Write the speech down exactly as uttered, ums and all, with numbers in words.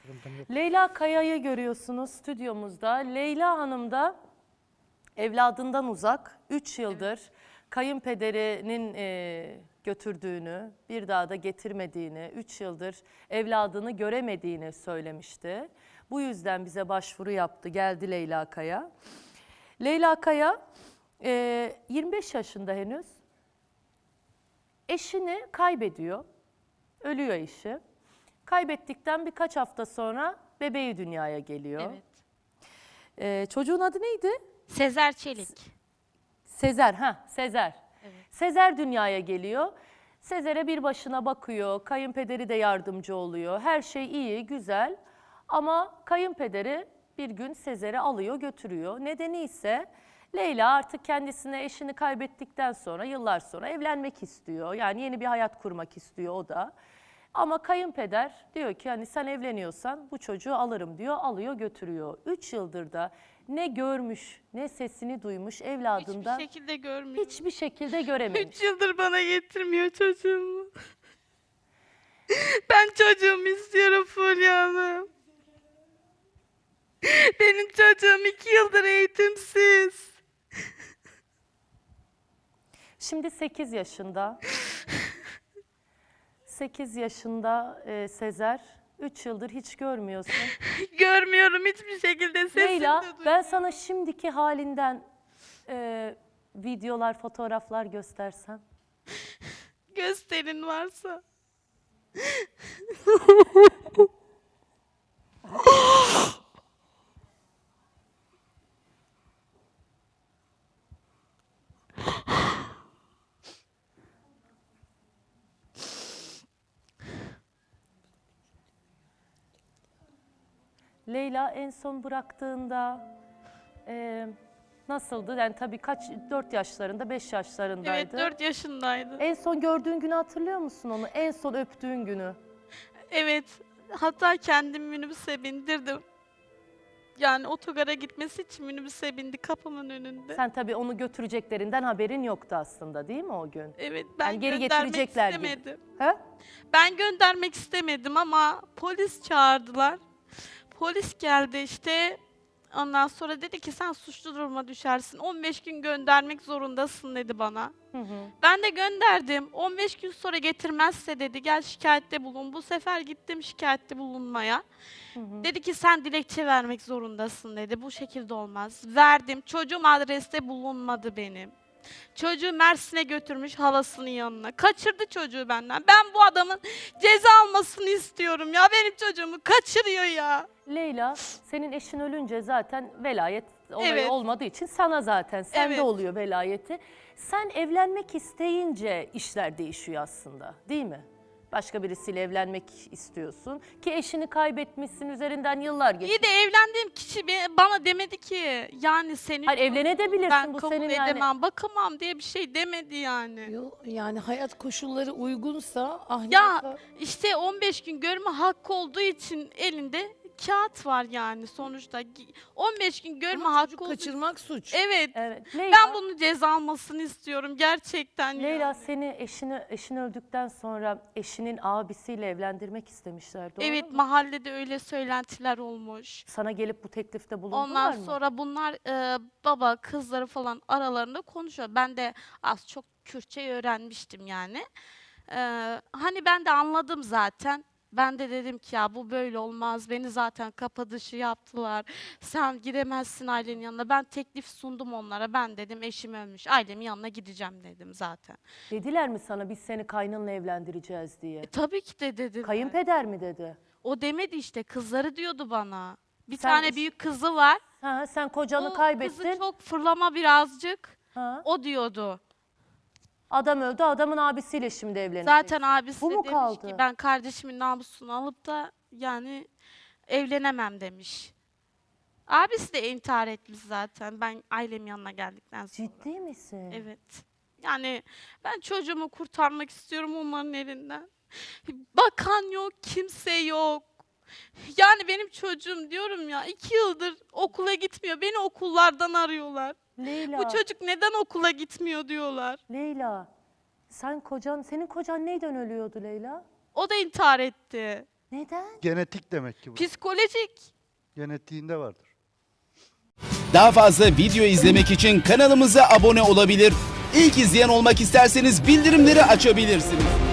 Leyla Kaya'yı görüyorsunuz stüdyomuzda. Leyla Hanım da evladından uzak, üç yıldır evet. kayınpederinin e, götürdüğünü, bir daha da getirmediğini, üç yıldır evladını göremediğini söylemişti. Bu yüzden bize başvuru yaptı, geldi Leyla Kaya. Leyla Kaya e, yirmi beş yaşında henüz. Eşini kaybediyor, ölüyor eşi. Kaybettikten birkaç hafta sonra bebeği dünyaya geliyor. Evet. Ee, çocuğun adı neydi? Sezer Çelik. Sezer, ha Sezer. Evet. Sezer dünyaya geliyor. Sezer'e bir başına bakıyor, kayınpederi de yardımcı oluyor. Her şey iyi, güzel. Ama kayınpederi bir gün Sezer'i alıyor, götürüyor. Nedeni ise Leyla artık kendisine eşini kaybettikten sonra, yıllar sonra evlenmek istiyor. Yani yeni bir hayat kurmak istiyor o da. Ama kayınpeder diyor ki hani sen evleniyorsan bu çocuğu alırım diyor, alıyor götürüyor. Üç yıldır da ne görmüş, ne sesini duymuş evladından. Hiçbir şekilde görmüyor. Hiçbir şekilde görememiş. Üç yıldır bana getirmiyor çocuğumu. Ben çocuğumu istiyorum Fulya Hanım. Benim çocuğum iki yıldır eğitimsiz. Şimdi sekiz yaşında. sekiz yaşında e, Sezer. üç yıldır hiç görmüyorsun. Görmüyorum hiçbir şekilde, sesini Leyla, de duymuyorum. ben sana şimdiki halinden e, videolar, fotoğraflar göstersem. Gösterin varsa. Leyla en son bıraktığında e, nasıldı? Yani tabii kaç, dört yaşlarında, beş yaşlarındaydı. Evet, dört yaşındaydı. En son gördüğün günü hatırlıyor musun onu? En son öptüğün günü. Evet, hatta kendim minibüse bindirdim. Yani otogara gitmesi için minibüse bindi kapımın önünde. Sen tabii onu götüreceklerinden haberin yoktu aslında değil mi o gün? Evet, ben Yani geri göndermek getirecekler istemedim. gibi. He? Ben göndermek istemedim ama polis çağırdılar. Polis geldi işte. Ondan sonra dedi ki sen suçlu duruma düşersin. on beş gün göndermek zorundasın dedi bana. Hı hı. Ben de gönderdim. on beş gün sonra getirmezse dedi gel şikayette bulun. Bu sefer gittim şikayette bulunmaya. Hı hı. Dedi ki sen dilekçe vermek zorundasın dedi. Bu şekilde olmaz. Verdim. Çocuğum adreste bulunmadı benim. Çocuğu Mersin'e götürmüş halasının yanına. Kaçırdı çocuğu benden. Ben bu adamın ceza almasını istiyorum ya. Benim çocuğumu kaçırıyor ya. Leyla, senin eşin ölünce zaten velayet olayı Evet. olmadığı için sana zaten, sende Evet. oluyor velayeti. Sen evlenmek isteyince işler değişiyor aslında, değil mi? Başka birisiyle evlenmek istiyorsun ki eşini kaybetmişsin, üzerinden yıllar geçti. İyi de evlendiğim kişi be- bana demedi ki yani senin Hayır, evlenebilirsin, ben bu kabul senin yani. edemem, bakamam diye bir şey demedi yani. Yo, yani hayat koşulları uygunsa ahlaka... Ya işte on beş gün görme hakkı olduğu için elinde kağıt var yani sonuçta. on beş gün görme Ama hakkı çocuk olduğu kaçırmak suç. Evet. Evet. Leyla, Ben bunu ceza almasını istiyorum gerçekten. Leyla ya. seni eşini, eşin öldükten sonra eşinin abisiyle evlendirmek istemişler, doğru Evet, mu? mahallede öyle söylentiler olmuş. Sana gelip bu teklifte bulundular Ondan mı? sonra bunlar e, baba kızları falan aralarında konuşuyor. Ben de az çok Kürtçe öğrenmiştim yani. E, hani ben de anladım zaten. Ben de dedim ki ya bu böyle olmaz. Beni zaten kapı dışı yaptılar. Sen gidemezsin ailenin yanına. Ben teklif sundum onlara. Ben dedim eşim ölmüş. Ailemin yanına gideceğim dedim zaten. Dediler mi sana biz seni kaynınla evlendireceğiz diye? E, tabii ki de dediler. Kayınpeder mi dedi? O demedi işte, kızları diyordu bana. Bir Sen tane iş- büyük kızı var. Ha, sen kocanı O kaybettin. kızı çok fırlama birazcık. Ha. O diyordu. Adam öldü, adamın abisiyle şimdi evleneceksin. Zaten abisi Bu de mu demiş kaldı? ki ben kardeşimin namusunu alıp da yani evlenemem demiş. Abisi de intihar etmiş zaten ben ailemin yanına geldikten sonra. Ciddi misin? Evet. Yani ben çocuğumu kurtarmak istiyorum onların elinden. Bakan yok, kimse yok. Yani benim çocuğum diyorum ya iki yıldır okula gitmiyor. Beni okullardan arıyorlar. Leyla, Bu çocuk neden okula gitmiyor diyorlar. Leyla, sen kocan, senin kocan neyden ölüyordu Leyla? O da intihar etti. Neden? Genetik demek ki bu. Psikolojik. Genetiğinde vardır. Daha fazla video izlemek için kanalımıza abone olabilir. İlk izleyen olmak isterseniz bildirimleri açabilirsiniz.